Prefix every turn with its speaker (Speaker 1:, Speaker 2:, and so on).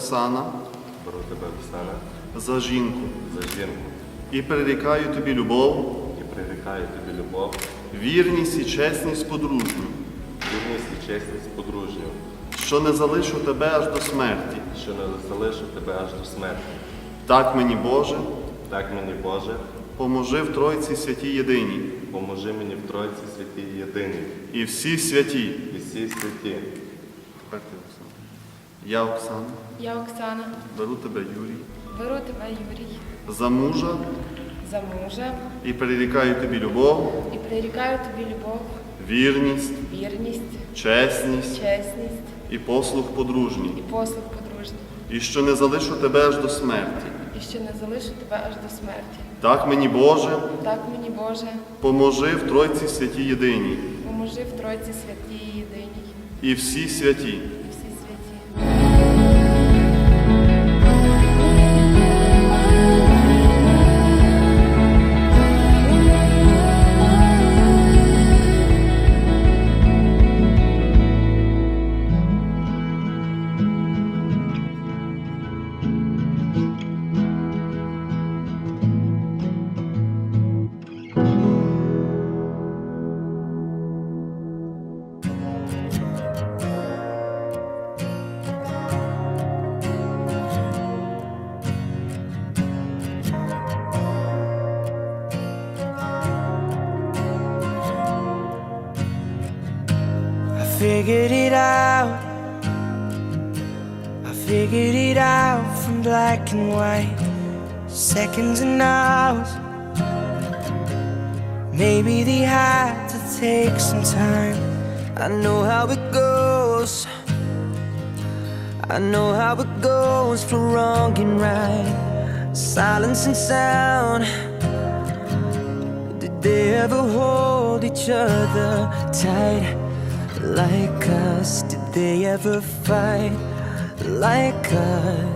Speaker 1: Оксана,
Speaker 2: беру тебе, Оксана,
Speaker 1: за жінку
Speaker 2: за жінку
Speaker 1: і прирікаю тобі любов,
Speaker 2: і прирікаю тобі любов,
Speaker 1: вірність і чесність подружню,
Speaker 2: вірність і чесність подружню,
Speaker 1: що не залишу тебе аж до смерті.
Speaker 2: що не залишу тебе аж до смерті.
Speaker 1: Так мені, Боже,
Speaker 2: Так мені, Боже,
Speaker 1: поможи в Тройці святій єдиній
Speaker 2: поможи мені в Тройці святій єдиній
Speaker 1: і всі святі.
Speaker 2: і всі святі.
Speaker 1: Тепер ти, Оксана. Я, Оксана,
Speaker 3: Я Оксана,
Speaker 1: беру тебе, Юрій,
Speaker 3: беру тебе, Юрій,
Speaker 1: за мужа
Speaker 3: за мужа
Speaker 1: і прирікаю тобі любов,
Speaker 3: і прирікаю тобі любов,
Speaker 1: вірність,
Speaker 3: вірність,
Speaker 1: чесність
Speaker 3: чесність
Speaker 1: і послуг подружній,
Speaker 3: і послуг подружній,
Speaker 1: і що не залишу тебе аж до смерті.
Speaker 3: і що не залишу тебе аж до смерті.
Speaker 1: Так мені, Боже,
Speaker 3: Так мені, Боже,
Speaker 1: поможи в Тройці святій єдиній
Speaker 3: поможи в Тройці святій єдиній
Speaker 1: і всі святі.
Speaker 3: і всі святі.
Speaker 4: Figured it out. I figured it out from black and white, seconds and hours. Maybe they had to take some time. I know how it goes. I know how it goes for wrong and right, silence and sound. Did they ever hold each other tight like us? Did they ever fight like us?